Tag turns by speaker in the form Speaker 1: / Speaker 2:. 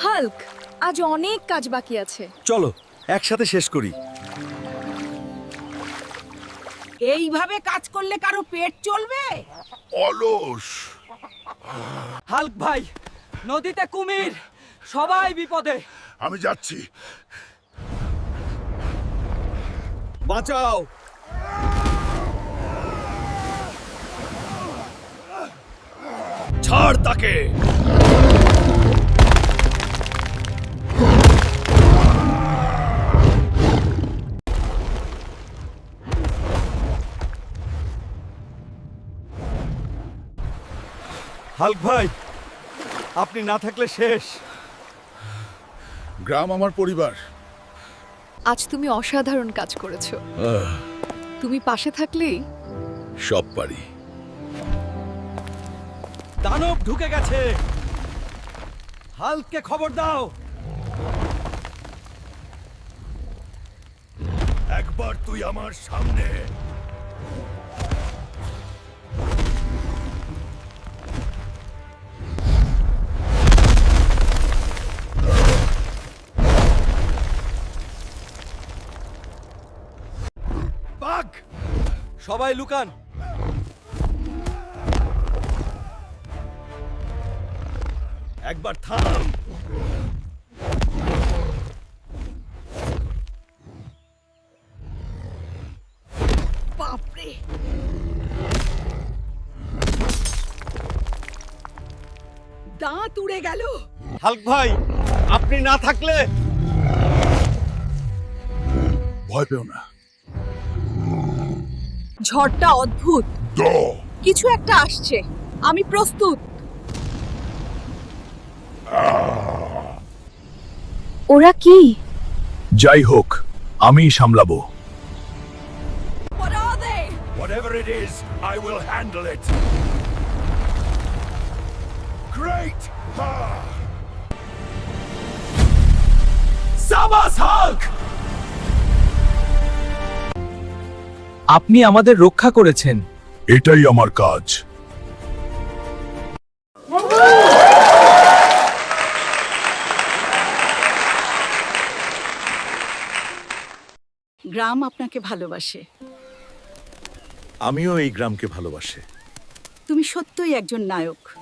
Speaker 1: Hulk, আজ অনেক কাজ বাকি আছে।
Speaker 2: চলো একসাথে শেষ করি।
Speaker 3: এইভাবে কাজ করলে কারো পেট চলবে?
Speaker 4: অলস।
Speaker 5: হাল্ক ভাই, নদীতে কুমির, সবাই বিপদে।
Speaker 4: আমি যাচ্ছি।
Speaker 2: বাঁচাও। ছাড় তাকে। হাল্ক ভাই, আপনি না থাকলে শেষ।
Speaker 4: গ্রাম আমার পরিবার।
Speaker 1: আজ তুমি অসাধারণ কাজ করেছো। তুমি পাশে থাকলেই
Speaker 4: সব পারি।
Speaker 2: দানব ঢুকে গেছে। হাল্ককে খবর দাও।
Speaker 4: একবার তুই আমার সামনে।
Speaker 2: বাঘ, সবাই লুকান। একবার থাম।
Speaker 3: বাপরে, দাঁত উড়ে গেল।
Speaker 2: হাল্ক ভাই, আপনি না থাকলে।
Speaker 4: ভয় পেও না।
Speaker 1: ঝড়টা অদ্ভুত।
Speaker 4: দ
Speaker 1: কিছু একটা আসছে। আমি প্রস্তুত। ওরা কি?
Speaker 4: যাই হোক, আমি সামলাবো।
Speaker 3: What are they?
Speaker 4: Whatever it is, I will handle it. Great!
Speaker 2: সাবাস হাল্ক!
Speaker 5: আপনি আমাদের রক্ষা করেছেন।
Speaker 4: এটাই আমার কাজ।
Speaker 3: গ্রাম আপনাকে ভালোবাসে।
Speaker 2: আমিও এই গ্রামকে ভালোবাসি।
Speaker 3: তুমি সত্যই একজন নায়ক।